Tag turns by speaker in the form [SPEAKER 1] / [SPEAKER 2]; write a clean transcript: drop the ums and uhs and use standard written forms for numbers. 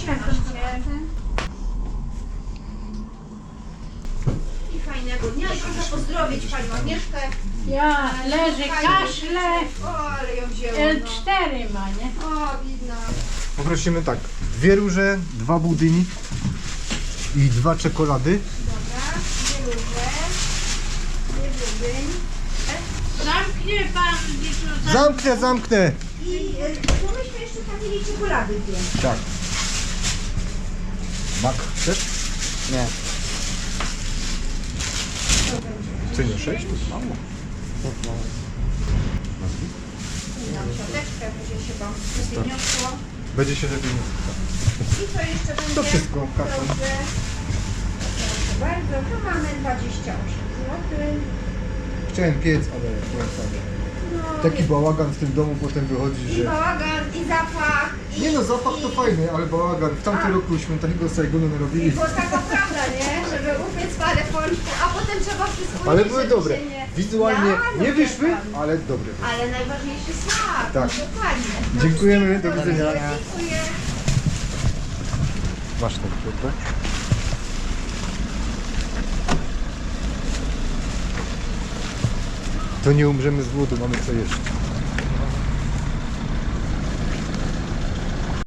[SPEAKER 1] I fajnego dnia i proszę pozdrowić Panią Agnieszkę.
[SPEAKER 2] Ja leży, kaszle,
[SPEAKER 1] O, ale ją wzięło.
[SPEAKER 2] L4 ma, nie?
[SPEAKER 1] O, widno.
[SPEAKER 3] Poprosimy tak, 2 róże, 2 budyni i 2 czekolady.
[SPEAKER 1] Dobra, 2 róże, 2 budyń.
[SPEAKER 2] Zamknie pan, Wituza.
[SPEAKER 3] Zamknę!
[SPEAKER 1] I to myśmy jeszcze tapili czekolady 2.
[SPEAKER 3] Tak. Mak chcesz?
[SPEAKER 4] Nie.
[SPEAKER 3] Co nie 6? To jest mało.
[SPEAKER 1] Dam siateczkę, będzie się Wam przeniosło.
[SPEAKER 3] Będzie się lepiej nie
[SPEAKER 1] I co jeszcze będzie?
[SPEAKER 3] To wszystko, karton.
[SPEAKER 1] Proszę. Proszę bardzo, tu mamy 28 zł.
[SPEAKER 3] Chciałem piec, ale nie wcale.
[SPEAKER 1] No,
[SPEAKER 3] Taki bałagan w tym domu potem wychodzi,
[SPEAKER 1] i
[SPEAKER 3] że...
[SPEAKER 1] bałagan, i zapach.
[SPEAKER 3] Nie no, zapach to fajny, ale bałagan. W tamtym roku świętego Saigonu narobili.
[SPEAKER 1] Bo taka prawda, nie? Żeby upiec parę pączków, a potem trzeba wszystko
[SPEAKER 3] Ale
[SPEAKER 1] jeść,
[SPEAKER 3] były
[SPEAKER 1] żeby
[SPEAKER 3] dobre.
[SPEAKER 1] się nie-
[SPEAKER 3] Wizualnie
[SPEAKER 1] Ja,
[SPEAKER 3] nie
[SPEAKER 1] no
[SPEAKER 3] wyszły,
[SPEAKER 1] tak.
[SPEAKER 3] ale dobre.
[SPEAKER 1] Ale najważniejszy smak.
[SPEAKER 3] Tak.
[SPEAKER 1] No, dokładnie. No,
[SPEAKER 3] Dziękujemy, do
[SPEAKER 1] wszystkiego
[SPEAKER 3] widzenia.
[SPEAKER 1] dobrego. Dziękuję.
[SPEAKER 3] Masz tą kwiatę? To nie umrzemy z głodu, mamy co jeść.